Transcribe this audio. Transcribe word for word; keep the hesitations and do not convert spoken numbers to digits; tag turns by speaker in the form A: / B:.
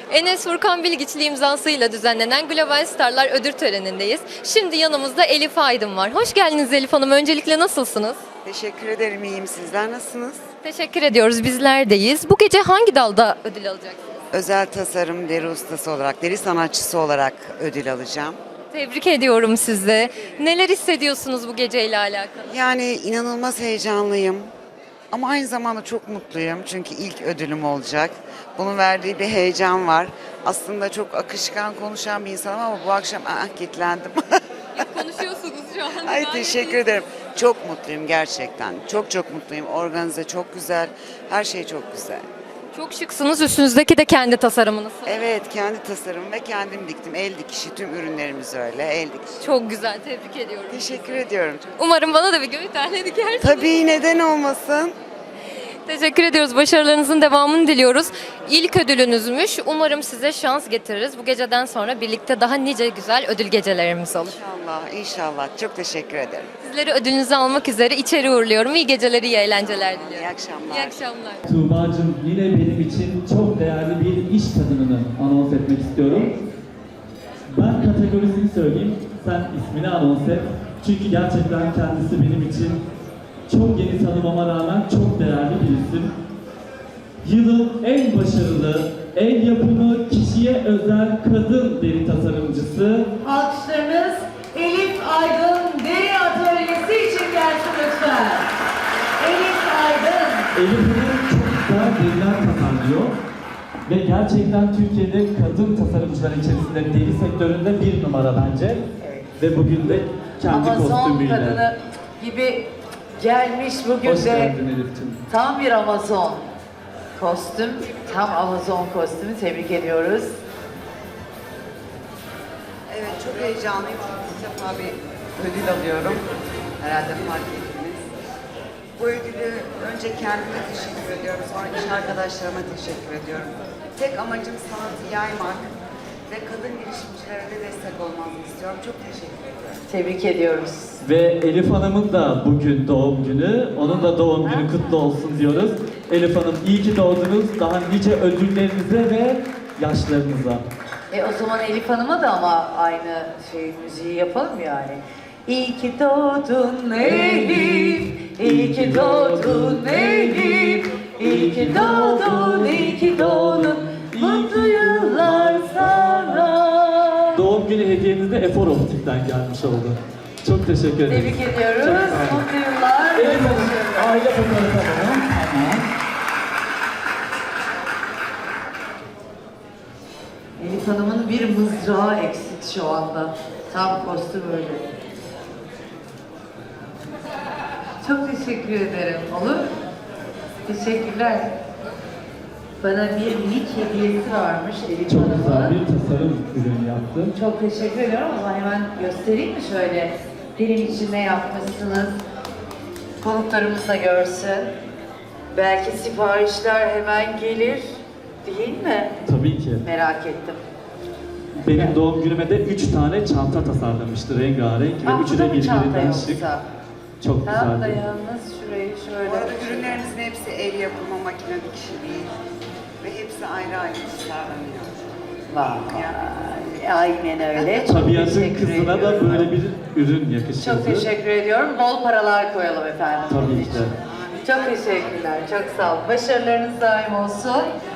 A: Enes Furkan Bilgiçli imzasıyla düzenlenen Global Starlar ödül törenindeyiz. Şimdi yanımızda Elif Aydın var. Hoş geldiniz Elif Hanım. Öncelikle nasılsınız?
B: Teşekkür ederim, iyiyim. Sizler nasılsınız?
A: Teşekkür ediyoruz. Bizler deyiz. Bu gece hangi dalda ödül alacaksınız?
B: Özel tasarım deri ustası olarak, deri sanatçısı olarak ödül alacağım.
A: Tebrik ediyorum sizi. Neler hissediyorsunuz bu geceyle alakalı?
B: Yani inanılmaz heyecanlıyım. Ama aynı zamanda çok mutluyum çünkü ilk ödülüm olacak. Bunun verdiği bir heyecan var. Aslında çok akışkan konuşan bir insanım ama bu akşam ah, kilitlendim.
A: Konuşuyorsunuz şu an.
B: Ay teşekkür ederim. Çok mutluyum gerçekten. Çok çok mutluyum. Organize çok güzel. Her şey çok güzel.
A: Çok şıksınız. Üstünüzdeki de kendi tasarımınız.
B: Evet, kendi tasarımım ve kendim diktim. El dikişi, tüm ürünlerimiz öyle. El dikişi.
A: Çok güzel. Tebrik ediyorum.
B: Teşekkür ediyorum.
A: Umarım bana da bir gün bir tane dikersiniz.
B: Tabii, neden olmasın?
A: Teşekkür ediyoruz. Başarılarınızın devamını diliyoruz. İlk ödülünüzmüş. Umarım size şans getiririz. Bu geceden sonra birlikte daha nice güzel ödül gecelerimiz olur.
B: İnşallah, inşallah. Çok teşekkür ederim.
A: Sizleri ödülünüzü almak üzere içeri uğurluyorum. İyi geceler, iyi eğlenceler diliyorum.
B: İyi akşamlar.
A: İyi akşamlar.
C: Tuğba'cığım yine benim için çok değerli bir iş kadınını anons etmek istiyorum. Ben kategorisini söyleyeyim, sen ismini anons et. Çünkü gerçekten kendisi benim için çok yeni tanımama rağmen çok değerli bir isim. Yılın en başarılı, el yapımı, kişiye özel kadın deri tasarımcısı.
D: Alkışlarınız Elif Aydın Deri Atölyesi için gelsin lütfen. Elif Aydın.
C: Elif Hanım çok güzel deriler tasarlıyor. Ve gerçekten Türkiye'de kadın tasarımcılar içerisinde deri sektöründe bir numara bence.
D: Evet.
C: Ve bugün de kendi
D: Amazon
C: kostümüyle.
D: kadını gibi gelmiş bugün
C: Hoş
D: de
C: geldin Elif'ciğim.
D: tam bir Amazon kostüm. Tam Amazon kostümü, tebrik ediyoruz.
B: Evet, çok heyecanlıyım çünkü ilk defa bir ödül alıyorum. Herhalde fark ettiniz. Bu ödülü önce kendime teşekkür ediyorum, sonra iş arkadaşlarıma teşekkür ediyorum. Tek amacım sanatı yaymak ve kadın girişimcilere de destek olmanızı istiyorum. Çok teşekkür ediyorum.
D: Tebrik ediyoruz.
C: Ve Elif Hanım'ın da bugün doğum günü. Onun da doğum günü kutlu olsun diyoruz. Elif Hanım iyi ki doğdunuz. Daha nice ödüllerinize ve yaşlarınıza.
D: E o zaman Elif Hanım'a da ama aynı şey müziği yapalım yani. İyi ki doğdun Elif, iyi ki doğdun Elif, iyi ki doğdun, iyi ki doğdun, mutlu yıllar sana.
C: Doğum günü hediyeniz de Efor Optik'ten gelmiş oldu. Çok teşekkür ederim.
D: Tebrik ediyoruz,
C: Çok sağ olun.
D: mutlu yıllar.
C: Elif Hanım, aile fotoğrafı alalım. Tamam.
D: Elif Hanım'ın bir mızrağı eksik şu anda. Tam kostüm öyle. Çok teşekkür ederim. Olur. Teşekkürler. Bana bir minik hediyesi varmış Elif
C: Çok güzel
D: Hanım'ın.
C: bir tasarım ürünü yaptım.
D: Çok teşekkür ediyorum ama hemen göstereyim mi şöyle? Benim için ne yapmışsınız? Konuklarımız da görsün. Belki siparişler hemen gelir. Değil mi?
C: Tabii ki.
D: Merak ettim.
C: Benim doğum günüme de üç tane çanta tasarlamıştı rengarenk ve
D: Ah, bu
C: üçü
D: da
C: de
D: mı çanta
C: birbirinden şık.
D: yoksa?
C: Çok
D: Tam da
C: güzeldi.
D: yalnız şurayı şöyle.
B: Bu arada ürünlerimizin hepsi el yapımı, makine dikişi değil. Ve hepsi ayrı ayrı tasarlanıyor.
D: Vay, aynen öyle. Çok
C: Tabiatın
D: teşekkür
C: kızına da
D: ediyorum.
C: böyle bir ürün yakışırdı.
D: Çok teşekkür ediyorum. Bol paralar koyalım efendim.
C: Tabii
D: bunun
C: ki
D: için.
C: de.
D: Çok teşekkürler. Çok sağ olun. Başarılarınız daim olsun.